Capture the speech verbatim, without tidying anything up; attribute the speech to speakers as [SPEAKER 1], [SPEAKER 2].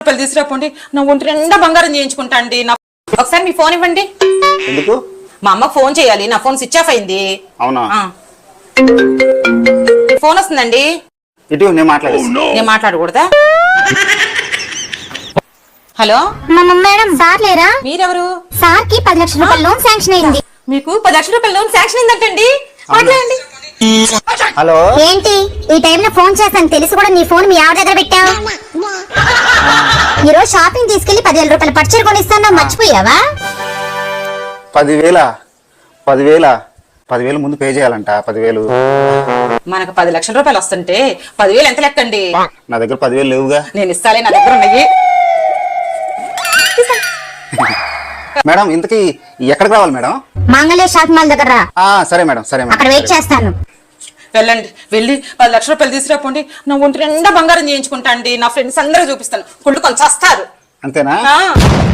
[SPEAKER 1] రూపాయలు తీసుకురాపోండి, నా ఒంటి నిండా బంగారం చేయించుకుంటా అండి. నా ఒకసారి మీ ఫోన్ ఇవ్వండి.
[SPEAKER 2] ఎందుకు?
[SPEAKER 1] మా అమ్మకు ఫోన్ చేయాలి, నా ఫోన్ స్విచ్ ఆఫ్ అయింది.
[SPEAKER 2] అవునా?
[SPEAKER 1] ఫోన్ వస్తుందండి.
[SPEAKER 2] ఇటు నేను మాట్లాడేస్తా.
[SPEAKER 1] నేను మాట్లాడకూడదా? హలో
[SPEAKER 3] మేడం, సార్ లేరా?
[SPEAKER 1] మీరెవరు?
[SPEAKER 3] సార్ కి పది లక్షల రూపాయల లోన్ శాంక్షన్ అయింది.
[SPEAKER 1] మీకు పది లక్షల రూపాయల లోన్ శాంక్షన్ అయిందంటండి. మాట్లాడండి.
[SPEAKER 2] హలో,
[SPEAKER 3] ఏంటి ఈ టైంలో ఫోన్ చేస్తాను తెలిసి కూడా నీ ఫోన్ మీ ఆవిడ దగ్గర పెట్టావు? ఈ రోజు షాపింగ్ తీసుకెళ్లి పదివేల రూపాయల పట్టుచీర కొనిస్తాను, మర్చిపోయావా?
[SPEAKER 2] పదివేల పదివేల పదివేలు ముందు పే చేయాలంట. పదివేలు
[SPEAKER 1] మనకు పది లక్షల రూపాయలు వస్తుంటే పదివేలు ఎంత లెక్కండి?
[SPEAKER 2] నా దగ్గర పదివేలు లేవుగా.
[SPEAKER 1] నేను ఇస్తాలే, నా దగ్గర ఉన్నాయి.
[SPEAKER 2] మేడం, ఇంతకీ ఎక్కడికి రావాలి మేడం?
[SPEAKER 3] మంగళ షాపింగ్ మాల్ దగ్గర రా.
[SPEAKER 2] ఆ, సరే మేడం, సరే మేడం.
[SPEAKER 3] అక్కడ వెయిట్ చేస్తాను.
[SPEAKER 1] వెళ్ళండి, వెళ్ళి పది లక్షల రూపాయలు తీసుకురాపోండి, నా ఒంటి నిండా బంగారం చేయించుకుంటా అండి. నా ఫ్రెండ్స్ అందరూ చూపిస్తాను, కుళ్ళు కొంచెం వస్తారు.
[SPEAKER 2] అంతేనా?
[SPEAKER 1] ఆ